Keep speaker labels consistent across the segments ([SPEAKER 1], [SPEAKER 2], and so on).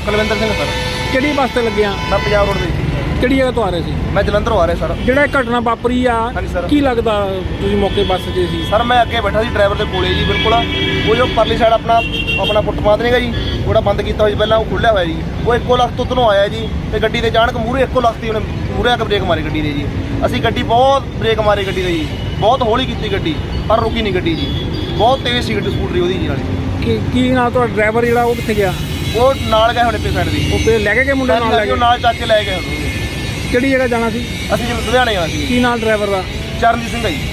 [SPEAKER 1] Kulwinder Singh sir.
[SPEAKER 2] ਕਿਹੜੀ bus ਤੇ ਲੱਗੇ ਆ?
[SPEAKER 1] ਮੈਂ ਪੰਜਾਬ ਰੋਡ ਦੇ
[SPEAKER 2] ਕਿਹੜੀ ਜਗ੍ਹਾ ਤੋਂ ਆ ਰਹੇ ਸੀ?
[SPEAKER 1] ਮੈਂ ਜਲੰਧਰੋਂ ਆ ਰਿਹਾ ਸਰ।
[SPEAKER 2] ਜਿਹੜਾ ਇਹ ਘਟਨਾ ਵਾਪਰੀ ਆ,
[SPEAKER 1] ਹਾਂਜੀ ਸਰ।
[SPEAKER 2] ਕੀ ਲੱਗਦਾ ਤੁਸੀਂ ਮੌਕੇ ਬੱਸ 'ਚ ਸੀ?
[SPEAKER 1] ਸਰ ਮੈਂ ਅੱਗੇ ਬੈਠਾ ਸੀ ਡਰਾਈਵਰ ਦੇ ਕੋਲੇ ਜੀ, ਬਿਲਕੁਲ ਉਹ ਜੋ ਪਰਲੀ ਸਾਈਡ ਆਪਣਾ ਫੁੱਟਪਾਥ ਨਹੀਂਗਾ ਜੀ, ਉਹਦਾ ਬੰਦ ਕੀਤਾ ਹੋਇਆ ਸੀ ਪਹਿਲਾਂ, ਉਹ ਖੁੱਲਿਆ ਹੋਇਆ ਜੀ। ਉਹ ਇੱਕੋ ਲੱਖ ਤੋਂ ਉੱਧਰੋਂ ਆਇਆ ਜੀ ਤੇ ਗੱਡੀ ਦੇ ਅਚਾਨਕ ਮੂਹਰੇ ਇੱਕੋ ਲੱਖ ਦੀ ਉਹਨੇ ਮੂਹਰੇ ਆ ਕੇ ਬ੍ਰੇਕ ਮਾਰੀ ਗੱਡੀ ਦੇ ਜੀ। ਅਸੀਂ ਗੱਡੀ ਬਹੁਤ ਬ੍ਰੇਕ ਮਾਰੀ ਗੱਡੀ ਦੇ ਜੀ, ਬਹੁਤ ਹੌਲੀ ਕੀਤੀ ਗੱਡੀ, ਪਰ ਰੁਕੀ ਨਹੀਂ ਗੱਡੀ ਜੀ। ਬਹੁਤ ਤੇਜ਼ ਸੀ ਗੱਡੀ, ਸਕੂਟਰੀ ਉਹਦੀ ਜੀ ਨਾਲੇ।
[SPEAKER 2] ਕੀ ਨਾਲ ਤੁਹਾਡਾ ਡਰਾਈਵਰ ਜਿਹੜਾ ਉਹ ਕਿੱਥੇ ਗਿਆ?
[SPEAKER 1] ਉਹ ਨਾਲ ਗਏ ਹੁਣ ਪੇ ਸਾਈਡ ਦੀ,
[SPEAKER 2] ਉਹ ਫੇਰ ਲੈ ਕੇ ਗਏ ਮੁੰਡੇ ਨਾਲ ਲੈ ਕੇ?
[SPEAKER 1] ਉਹ ਨਾਲ ਚੱਕ ਕੇ ਲੈ ਗਏ ਹੁਣ।
[SPEAKER 2] ਕਿਹੜੀ ਜਗ੍ਹਾ ਜਾਣਾ ਸੀ?
[SPEAKER 1] ਅਸੀਂ ਜਿਵੇਂ ਲੁਧਿਆਣੇ ਜਾਣਾ ਸੀ।
[SPEAKER 2] ਕੀ ਨਾਲ ਡਰਾਈਵਰ ਦਾ?
[SPEAKER 1] ਚਰਨਜੀਤ ਸਿੰਘ ਆ ਜੀ।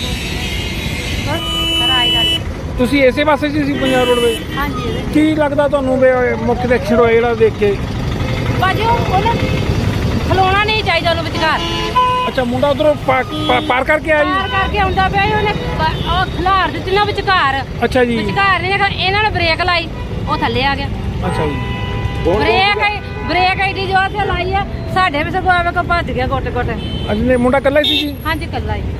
[SPEAKER 2] ਤੁਸੀਂ ਇਸੇ ਪਾਸੇ 'ਚ ਸੀ ਪੰਜਾਬ ਰੋਡ ਦੇ?
[SPEAKER 3] ਹਾਂਜੀ।
[SPEAKER 2] ਕੀ ਲੱਗਦਾ ਤੁਹਾਨੂੰ ਵੀ ਮੁੱਖ ਦੇ ਐਕਸੀਡੈਂਟ ਹੋਇਆ ਜਿਹੜਾ ਦੇਖ ਕੇ?
[SPEAKER 3] ਭਾਜੀ ਉਹਨੇ ਖਲੋਣਾ ਨਹੀਂ ਚਾਹੀਦਾ ਉਹਨੂੰ ਵਿਚਕਾਰ।
[SPEAKER 2] ਅੱਛਾ, ਮੁੰਡਾ ਉਧਰੋਂ ਪਾਰ ਕਰਕੇ ਆਇਆ
[SPEAKER 3] ਪਾਰ
[SPEAKER 2] ਜੀ?
[SPEAKER 3] ਕਰਕੇ ਆਉਂਦਾ ਪਿਆ ਸੀ, ਉਹਨੇ ਉਹ ਖਿਲਾਰ ਦਿੱਤੀ ਨਾ ਵਿਚਕਾਰ।
[SPEAKER 2] ਅੱਛਾ ਜੀ।
[SPEAKER 3] ਵਿਚਕਾਰ ਨਹੀਂ ਦੇਖਾ, ਇਹਨਾਂ ਨੇ ਬ੍ਰੇਕ ਲਾਈ, ਉਹ ਥੱਲੇ ਆ ਗਿਆ।
[SPEAKER 2] ਅੱਛਾ ਜੀ।
[SPEAKER 3] ਬ੍ਰੇਕ ਐਡੀ ਜੋਰ ਤੇ ਲਾਈ ਆ, ਸਾਡੇ ਵੀ ਸਗੋਂ ਆਵੇ ਕੋ ਭੱਜ ਗਿਆ ਗੋਟੇ ਗੋਟੇ।
[SPEAKER 2] ਅਜੇ ਮੁੰਡਾ ਇਕੱਲਾ ਹੀ ਸੀ ਜੀ?
[SPEAKER 3] ਹਾਂਜੀ ਕੱਲਾ ਹੀ।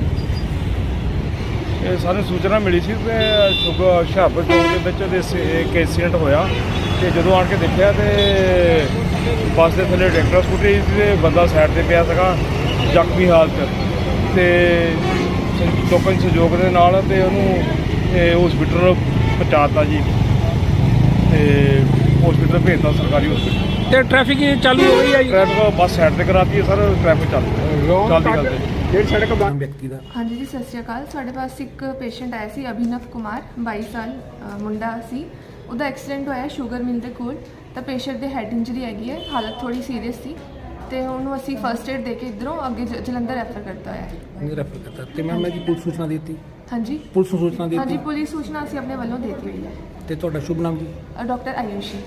[SPEAKER 4] ਇਹ ਸਾਨੂੰ ਸੂਚਨਾ ਮਿਲੀ ਸੀ ਕਿ ਹੁਸ਼ਿਆਰਪੁਰ ਚੌਂਕ ਦੇ ਵਿੱਚ ਇੱਕ ਐਕਸੀਡੈਂਟ ਹੋਇਆ ਤੇ ਜਦੋਂ ਆਣ ਕੇ ਦੇਖਿਆ ਤੇ ਬੱਸ ਦੇ ਥੱਲੇ ਟਰੈਕਟਰ ਸਕੂਟਰੀ ਤੇ ਬੰਦਾ ਸਾਈਡ ਤੇ ਪਿਆ ਸੀਗਾ ਜ਼ਖਮੀ ਹਾਲਤ ਤੇ ਲੋਕਾਂ ਦੇ ਸਹਿਯੋਗ ਦੇ ਨਾਲ ਤੇ ਉਹਨੂੰ ਹਸਪੀਟਲ ਪਹੁੰਚਾਤਾ ਜੀ ਤੇ ਹਸਪੀਟਲ ਭੇਜਤਾ ਸਰਕਾਰੀ ਹਸਪੀਟਲ।
[SPEAKER 2] ਤੇ ਟ੍ਰੈਫਿਕ ਚਾਲੂ ਹੋ ਗਈ ਆ ਜੀ?
[SPEAKER 4] ਟ੍ਰੈਫਿਕ ਬੱਸ ਸਾਈਡ ਤੇ ਕਰਾਤੀ ਹੈ ਸਰ, ਟ੍ਰੈਫਿਕ ਚੱਲਦੀ
[SPEAKER 2] ਡੇਢ ਸੜਕ ਵਿਅਕਤੀ ਦਾ।
[SPEAKER 5] ਹਾਂਜੀ ਜੀ, ਸਤਿ ਸ਼੍ਰੀ ਅਕਾਲ। ਸਾਡੇ ਪਾਸ ਇੱਕ ਪੇਸ਼ੈਂਟ ਆਇਆ ਸੀ, ਅਭਿਨਵ ਕੁਮਾਰ, 22 ਸਾਲ ਮੁੰਡਾ ਸੀ। ਉਹਦਾ ਐਕਸੀਡੈਂਟ ਹੋਇਆ ਸ਼ੂਗਰ ਮਿਲ ਦੇ ਕੋਲ। ਤਾਂ ਪੇਸ਼ੈਂਟ ਦੇ ਹੈਡ ਇੰਜਰੀ ਹੈਗੀ ਹੈ, ਹਾਲਤ ਥੋੜੀ ਸੀਰੀਅਸ ਸੀ ਤੇ ਉਹਨੂੰ ਅਸੀਂ ਫਰਸਟ ਏਡ ਦੇ ਕੇ ਇੱਧਰੋਂ ਅੱਗੇ ਜਲੰਧਰ ਰੈਫਰ ਕਰਤਾ ਹੋਇਆ ਹੈ।
[SPEAKER 2] ਨਹੀਂ ਰੈਫਰ ਕਰਤਾ ਤੇ ਮੈਂ ਜੀ ਪੁਲਿਸ ਸੂਚਨਾ ਦਿੱਤੀ?
[SPEAKER 5] ਹਾਂਜੀ,
[SPEAKER 2] ਪੁਲਿਸ ਨੂੰ ਸੂਚਨਾ ਦਿੱਤੀ?
[SPEAKER 5] ਹਾਂਜੀ, ਪੁਲਿਸ ਸੂਚਨਾ ਅਸੀਂ ਆਪਣੇ ਵੱਲੋਂ ਦੇ ਦਿੱਤੀ ਹੋਈ ਹੈ।
[SPEAKER 2] ਤੇ ਤੁਹਾਡਾ ਸ਼ੁਭ ਨਾਮ ਜੀ?
[SPEAKER 5] ਡਾਕਟਰ ਆਯੂਸ਼ੀ।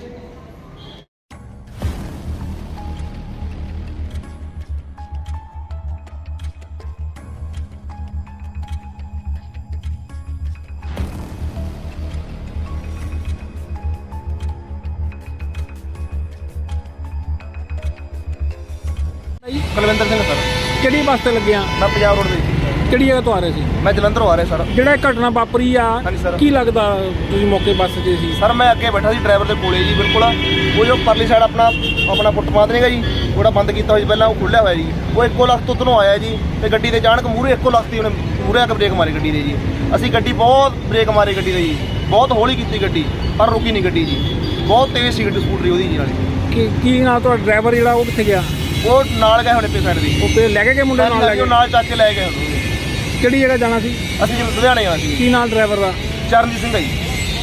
[SPEAKER 1] ਕੁਲਵਿੰਦਰ ਸਿੰਘ ਸਰ।
[SPEAKER 2] ਕਿਹੜੀ ਬੱਸ ਤੇ ਲੱਗੇ ਆ?
[SPEAKER 1] ਮੈਂ ਪੰਜਾਬ ਰੋਡ ਦੇ
[SPEAKER 2] ਕਿਹੜੀ ਜਗ੍ਹਾ ਤੋਂ ਆ ਰਹੇ ਸੀ?
[SPEAKER 1] ਮੈਂ ਜਲੰਧਰੋਂ ਆ ਰਿਹਾ ਸਰ।
[SPEAKER 2] ਜਿਹੜਾ ਇਹ ਘਟਨਾ ਵਾਪਰੀ ਆ,
[SPEAKER 1] ਹਾਂਜੀ ਸਰ।
[SPEAKER 2] ਕੀ ਲੱਗਦਾ ਤੁਸੀਂ ਮੌਕੇ ਬੱਸ 'ਚ ਸੀ?
[SPEAKER 1] ਸਰ ਮੈਂ ਅੱਗੇ ਬੈਠਾ ਸੀ ਡਰਾਈਵਰ ਦੇ ਕੋਲੇ ਜੀ, ਬਿਲਕੁਲ ਉਹ ਜੋ ਪਰਲੀ ਸਾਈਡ ਆਪਣਾ ਫੁੱਟਪਾਥ ਨਹੀਂਗਾ ਜੀ, ਉਹਦਾ ਬੰਦ ਕੀਤਾ ਹੋਇਆ ਸੀ ਪਹਿਲਾਂ, ਉਹ ਖੁੱਲਿਆ ਹੋਇਆ ਜੀ। ਉਹ ਇੱਕੋ ਲੱਖ ਤੋਂ ਉੱਧਰੋਂ ਆਇਆ ਜੀ ਤੇ ਗੱਡੀ ਦੇ ਅਚਾਨਕ ਮੂਹਰੇ ਇੱਕੋ ਲੱਖ ਦੀ ਉਹਨੇ ਮੂਹਰੇ ਆ ਕੇ ਬ੍ਰੇਕ ਮਾਰੀ ਗੱਡੀ ਦੇ ਜੀ। ਅਸੀਂ ਗੱਡੀ ਬਹੁਤ ਬ੍ਰੇਕ ਮਾਰੀ ਗੱਡੀ ਦੇ ਜੀ, ਬਹੁਤ ਹੌਲੀ ਕੀਤੀ ਗੱਡੀ, ਪਰ ਰੁਕੀ ਨਹੀਂ ਗੱਡੀ ਜੀ। ਬਹੁਤ ਤੇਜ਼ ਸੀ ਗੱਡੀ, ਸਕੂਟਰੀ ਉਹਦੀ ਜੀ ਨਾਲੇ।
[SPEAKER 2] ਕੀ ਨਾਲ ਤੁਹਾਡਾ ਡਰਾਈਵਰ ਜਿਹੜਾ ਉਹ ਕਿੱਥੇ ਗਿਆ?
[SPEAKER 1] ਉਹ ਨਾਲ ਗਏ ਹੁਣ ਪੇ ਸਾਈਡ ਦੀ,
[SPEAKER 2] ਉਹ ਫੇਰ ਲੈ ਕੇ ਗਏ ਮੁੰਡੇ ਨਾਲ ਲੈ ਕੇ?
[SPEAKER 1] ਉਹ ਨਾਲ ਚੱਕ ਕੇ ਲੈ ਗਏ ਹੁਣ।
[SPEAKER 2] ਕਿਹੜੀ ਜਗ੍ਹਾ ਜਾਣਾ ਸੀ?
[SPEAKER 1] ਅਸੀਂ ਜਿਵੇਂ ਲੁਧਿਆਣੇ ਜਾਣਾ ਸੀ।
[SPEAKER 2] ਕੀ ਨਾਲ ਡਰਾਈਵਰ ਦਾ?
[SPEAKER 1] ਚਰਨਜੀਤ ਸਿੰਘ ਆ ਜੀ।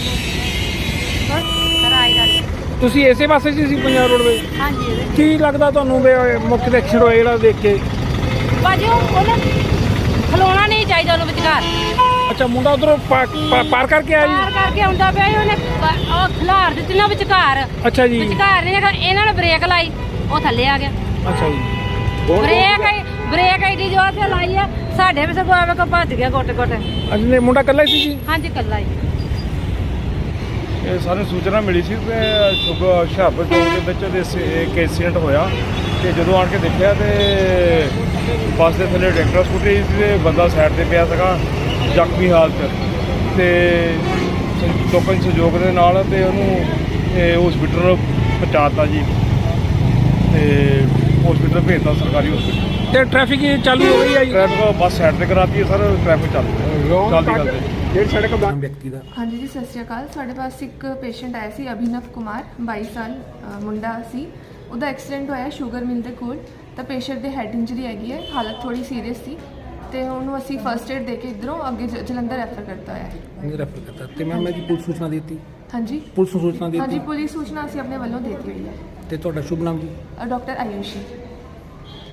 [SPEAKER 2] ਤੁਸੀਂ ਇਸੇ ਪਾਸੇ 'ਚ ਸੀ ਪੰਜਾਬ ਰੋਡ ਦੇ?
[SPEAKER 3] ਹਾਂਜੀ।
[SPEAKER 2] ਕੀ ਲੱਗਦਾ ਤੁਹਾਨੂੰ ਵੀ ਮੁੱਖ ਦੇ ਐਕਸੀਡੈਂਟ ਹੋਇਆ ਜਿਹੜਾ ਦੇਖ ਕੇ?
[SPEAKER 3] ਭਾਜੀ ਉਹਨੇ ਖਲੋਣਾ ਨਹੀਂ ਚਾਹੀਦਾ ਉਹਨੂੰ ਵਿਚਕਾਰ।
[SPEAKER 2] ਅੱਛਾ, ਮੁੰਡਾ ਉਧਰੋਂ ਪਾਰ ਕਰਕੇ ਆਇਆ
[SPEAKER 3] ਪਾਰ
[SPEAKER 2] ਜੀ?
[SPEAKER 3] ਕਰਕੇ ਆਉਂਦਾ ਪਿਆ ਸੀ, ਉਹਨੇ ਉਹ ਖਿਲਾਰ ਦਿੱਤੀ ਨਾ ਵਿਚਕਾਰ।
[SPEAKER 2] ਅੱਛਾ ਜੀ।
[SPEAKER 3] ਵਿਚਕਾਰ ਨਹੀਂ ਦੇਖਾ, ਇਹਨਾਂ ਨੇ ਬ੍ਰੇਕ ਲਾਈ, ਉਹ ਥੱਲੇ ਆ ਗਿਆ।
[SPEAKER 2] ਅੱਛਾ ਜੀ।
[SPEAKER 3] ਬ੍ਰੇਕ ਐਡੀ ਜੋਰ ਤੇ ਲਾਈ ਆ, ਸਾਡੇ ਵੀ ਸਗੋਂ ਆਵੇ ਕੋ ਭੱਜ ਗਿਆ ਗੋਟੇ ਗੋਟੇ।
[SPEAKER 2] ਅਜੇ ਮੁੰਡਾ ਇਕੱਲਾ ਹੀ ਸੀ ਜੀ?
[SPEAKER 3] ਹਾਂਜੀ ਕੱਲਾ ਹੀ।
[SPEAKER 4] ਇਹ ਸਾਨੂੰ ਸੂਚਨਾ ਮਿਲੀ ਸੀ ਕਿ ਹੁਸ਼ਿਆਰਪੁਰ ਚੌਂਕ ਦੇ ਵਿੱਚ ਇੱਕ ਐਕਸੀਡੈਂਟ ਹੋਇਆ ਤੇ ਜਦੋਂ ਆਣ ਕੇ ਦੇਖਿਆ ਤੇ ਬੱਸ ਦੇ ਥੱਲੇ ਟਰੈਕਟਰ ਸਕੂਟਰੀ ਤੇ ਬੰਦਾ ਸਾਈਡ ਤੇ ਪਿਆ ਸੀਗਾ ਜ਼ਖਮੀ ਹਾਲਤ ਤੇ ਲੋਕਾਂ ਦੇ ਸਹਿਯੋਗ ਦੇ ਨਾਲ ਤੇ ਉਹਨੂੰ ਹਸਪੀਟਲ ਪਹੁੰਚਾਤਾ ਜੀ ਤੇ ਹਸਪੀਟਲ ਭੇਜਤਾ ਸਰਕਾਰੀ ਹਸਪੀਟਲ।
[SPEAKER 2] ਤੇ ਟ੍ਰੈਫਿਕ ਚਾਲੂ ਹੋ ਗਈ ਆ ਜੀ?
[SPEAKER 4] ਟ੍ਰੈਫਿਕ ਬੱਸ ਸਾਈਡ ਤੇ ਕਰਾਤੀ ਹੈ ਸਰ, ਟ੍ਰੈਫਿਕ ਚੱਲਦੀ
[SPEAKER 2] ਡੇਢ ਸੜਕ ਵਿਅਕਤੀ ਦਾ।
[SPEAKER 5] ਹਾਂਜੀ ਜੀ, ਸਤਿ ਸ਼੍ਰੀ ਅਕਾਲ। ਸਾਡੇ ਪਾਸ ਇੱਕ ਪੇਸ਼ੈਂਟ ਆਇਆ ਸੀ, ਅਭਿਨਵ ਕੁਮਾਰ, 22 ਸਾਲ ਮੁੰਡਾ ਸੀ। ਉਹਦਾ ਐਕਸੀਡੈਂਟ ਹੋਇਆ ਸ਼ੂਗਰ ਮਿਲ ਦੇ ਕੋਲ। ਤਾਂ ਪੇਸ਼ੈਂਟ ਦੇ ਹੈਡ ਇੰਜਰੀ ਹੈਗੀ ਹੈ, ਹਾਲਤ ਥੋੜੀ ਸੀਰੀਅਸ ਸੀ ਤੇ ਉਹਨੂੰ ਅਸੀਂ ਫਰਸਟ ਏਡ ਦੇ ਕੇ ਇੱਧਰੋਂ ਅੱਗੇ ਜਲੰਧਰ ਰੈਫਰ ਕਰਤਾ ਹੋਇਆ ਹੈ।
[SPEAKER 2] ਨਹੀਂ ਰੈਫਰ ਕਰਤਾ ਤੇ ਮੈਂ ਜੀ ਪੁਲਿਸ ਸੂਚਨਾ ਦਿੱਤੀ?
[SPEAKER 5] ਹਾਂਜੀ,
[SPEAKER 2] ਪੁਲਿਸ ਨੂੰ ਸੂਚਨਾ ਦਿੱਤੀ?
[SPEAKER 5] ਹਾਂਜੀ, ਪੁਲਿਸ ਸੂਚਨਾ ਅਸੀਂ ਆਪਣੇ ਵੱਲੋਂ ਦੇ ਦਿੱਤੀ ਹੋਈ ਹੈ।
[SPEAKER 2] ਤੇ ਤੁਹਾਡਾ ਸ਼ੁਭ ਨਾਮ ਜੀ?
[SPEAKER 5] ਡਾਕਟਰ ਆਯੂਸ਼ੀ।